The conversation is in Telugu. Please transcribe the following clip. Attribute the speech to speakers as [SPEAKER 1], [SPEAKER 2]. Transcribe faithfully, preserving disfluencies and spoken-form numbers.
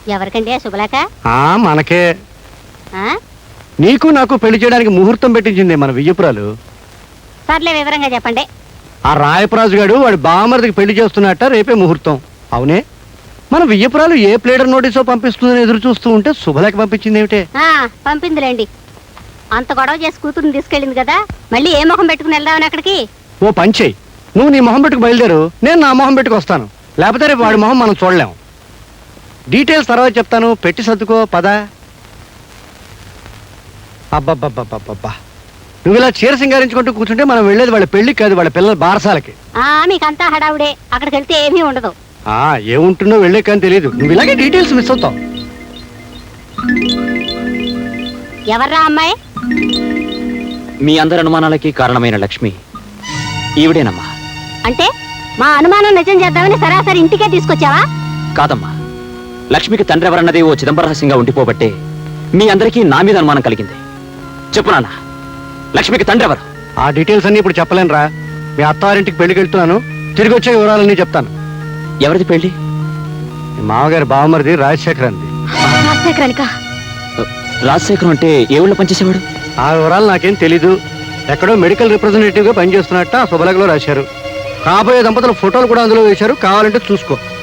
[SPEAKER 1] ఎవరికండి శుభలేఖ?
[SPEAKER 2] ఆ మనకే.
[SPEAKER 1] ఆ?
[SPEAKER 2] నీకు నాకు పెళ్లి చేయడానికి ముహూర్తం పెట్టించింది మన వియ్యపురాలు.
[SPEAKER 1] సర్లే వివరంగా చెప్పండి.
[SPEAKER 2] ఆ రాయపరాజు గారు వాడి బామర్దికి పెళ్లి చేస్తున్నట్ట, రేపే ముహూర్తం. అవునే, మన వియ్యపురాలు ఏ ప్లేడర్ నోటీసో పంపిస్తుందని ఎదురు చూస్తూ ఉంటే శుభలేఖ పంపించింది ఏమిటే?
[SPEAKER 1] ఆ పంపిందిలేండి. అంత గొడవ చేసి కూతురుని తీసుకెళ్ళింది కదా, మళ్ళీ ఏ మొహం పెట్టుకుని వెళ్దామని అక్కడికి?
[SPEAKER 2] ఓ పంచేయి, నువ్వు నీ మొహం పెట్టుకు బయలుదేరు, నేను నా మొహం పెట్టుకు వస్తాను. లేకపోతే రేపు వాడి మొహం మనం చూడలేం. డీటెయిల్స్ తర్వాత చెప్తాను, పెట్టి సర్దుకో పద. అబ్బబ్బబ్బబ్బబ్బా, నువ్వు ఇలా చీర సింగారించుకుంటూ కూర్చుంటే మనం వెళ్ళేది వాళ్ళ పెళ్లికి కాదు, వాళ్ళ పిల్లల బారసాలకి.
[SPEAKER 1] ఆ మీకంతా హడావుడే, అక్కడికి వెళ్తే ఏమీ ఉండదు.
[SPEAKER 2] ఆ ఏముంటుందో వెళ్ళే కానీ తెలియదు, నువ్వు ఇలాగే డీటెయిల్స్ మిస్ అవుతావు.
[SPEAKER 1] ఎవర్రా అమ్మాయి?
[SPEAKER 3] మీ అందరి అనుమానాలకి కారణమైన లక్ష్మి ఈవిడేనమ్మా.
[SPEAKER 1] అంటే మా అనుమానం నిజం చేద్దామని సరాసరి ఇంటికే తీసుకొచ్చావా?
[SPEAKER 3] కాదమ్మా, లక్ష్మికి తండ్రి ఎవరన్నది ఓ చిదంబరహస్యంగా ఉండిపోబట్టే మీ అందరికీ నా మీద అనుమానం కలిగింది. చెప్పు నాన్న, లక్ష్మికి తండ్రి ఎవరు?
[SPEAKER 2] ఆ డీటెయిల్స్ అన్ని ఇప్పుడు చెప్పలేనురా. మీ అత్తారింటికి పెళ్లికి వెళ్తున్నాను, తిరిగి వచ్చే వివరాలన్నీ చెప్తాను.
[SPEAKER 3] ఎవరిది పెళ్లి?
[SPEAKER 2] మీ మామగారి బావమరిది రాజశేఖర్ అంది.
[SPEAKER 1] రాజశేఖరానిక?
[SPEAKER 3] రాజశేఖరం అంటే ఏ ఊళ్ళో పనిచేసేవాడు?
[SPEAKER 2] ఆ వివరాలు నాకేం తెలీదు. ఎక్కడో మెడికల్ రిప్రజెంటేటివ్ గా పనిచేస్తున్నట్ట ఆ శుభలేఖలో రాశారు. కాబోయే దంపతుల ఫోటోలు కూడా అందులో వేశారు, కావాలంటే చూసుకో.